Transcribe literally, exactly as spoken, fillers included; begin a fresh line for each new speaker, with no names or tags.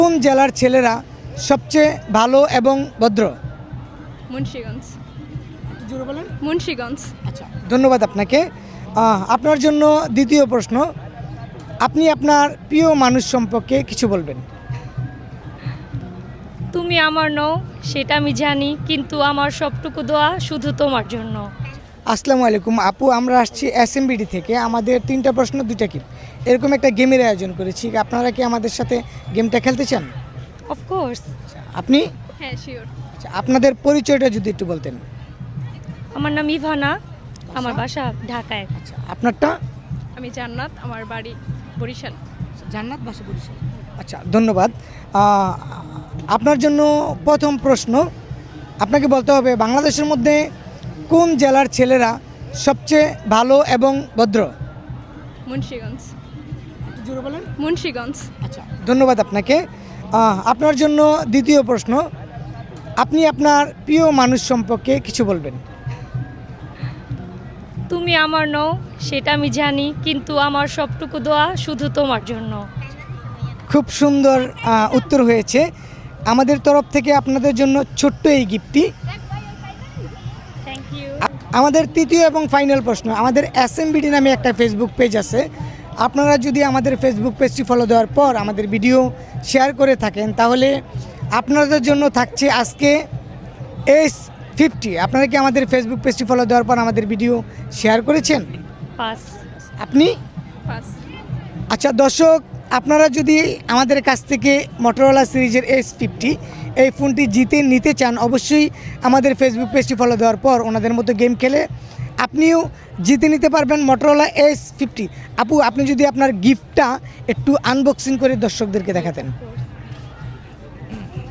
কোন জেলার ছেলেরা সবচেয়ে ভালো এবং ভদ্র?
মুন্সিগঞ্জ।
জোরে বলেন।
মুন্সিগঞ্জ।
আচ্ছা, ধন্যবাদ আপনাকে। আহ, আপনার জন্য দ্বিতীয় প্রশ্ন, আপনি আপনার প্রিয় মানুষ সম্পর্কে কিছু বলবেন।
তুমি আমার নও সেটা আমি জানি, কিন্তু আমার সবটুকু দোয়া শুধু তোমার জন্য।
আসসালামু আলাইকুম আপু, আমরা আসছি এসএমবিডি থেকে। আমাদের তিনটা প্রশ্ন দুইটা কি এরকম একটা গেমের আয়োজন করেছি। আপনারা কি আমাদের সাথে গেমটা খেলতে চান?
অফকোর্স।
আপনি?
হ্যাঁ, শিওর।
আচ্ছা, আপনাদের পরিচয়টা যদি একটু বলতেন।
আমার নাম ইভানা, আমার বাসা ঢাকায়।
আচ্ছা, আপনারটা?
আমি জান্নাত, আমার বাড়ি বরিশাল।
জান্নাত, বাসা বরিশাল। আচ্ছা, ধন্যবাদ। আহ, আপনার জন্য প্রথম প্রশ্ন, আপনাকে বলতে হবে বাংলাদেশের মধ্যে কোন জেলার ছেলেরা সবচেয়ে ভালো এবং ভদ্র?
মুন্সিগঞ্জ।
জোরে বলেন।
মুন্সিগঞ্জ।
আচ্ছা, ধন্যবাদ আপনাকে। আহ, আপনার জন্য দ্বিতীয় প্রশ্ন, আপনি আপনার প্রিয় মানুষ সম্পর্কে কিছু বলবেন।
তুমি আমার নও সেটা আমি জানি, কিন্তু আমার সবটুকু দোয়া শুধু তোমার জন্য।
খুব সুন্দর আহ, উত্তর হয়েছে। আমাদের তরফ থেকে আপনাদের জন্য ছোট্ট এই গিফটটি।
Thank you.
আমাদের তৃতীয় এবং ফাইনাল প্রশ্ন, আমাদের এসএমবিডি নামে একটা ফেসবুক পেজ আছে। আপনারা যদি আমাদের ফেসবুক পেজটি ফলো দেওয়ার পর আমাদের ভিডিও শেয়ার করে থাকেন, তাহলে আপনাদের জন্য থাকছে আজকে এস ফিফটি। আপনারা কি আমাদের ফেসবুক পেজটি ফলো দেওয়ার পর আমাদের ভিডিও শেয়ার করেছেন?
পাস।
আপনি?
পাস।
আচ্ছা দর্শক, আপনারা যদি আমাদের কাছ থেকে মোটরোলা সিরিজের এস ফিফটি এই ফোনটি জিতে নিতে চান, অবশ্যই আমাদের ফেসবুক পেজটি ফলো দেওয়ার পর ওনাদের মতো গেম খেলে আপনিও জিতে নিতে পারবেন মোটরোলা এস ফিফটি। আপু, আপনি যদি আপনার গিফটটা একটু আনবক্সিং করে দর্শকদেরকে দেখাতেন।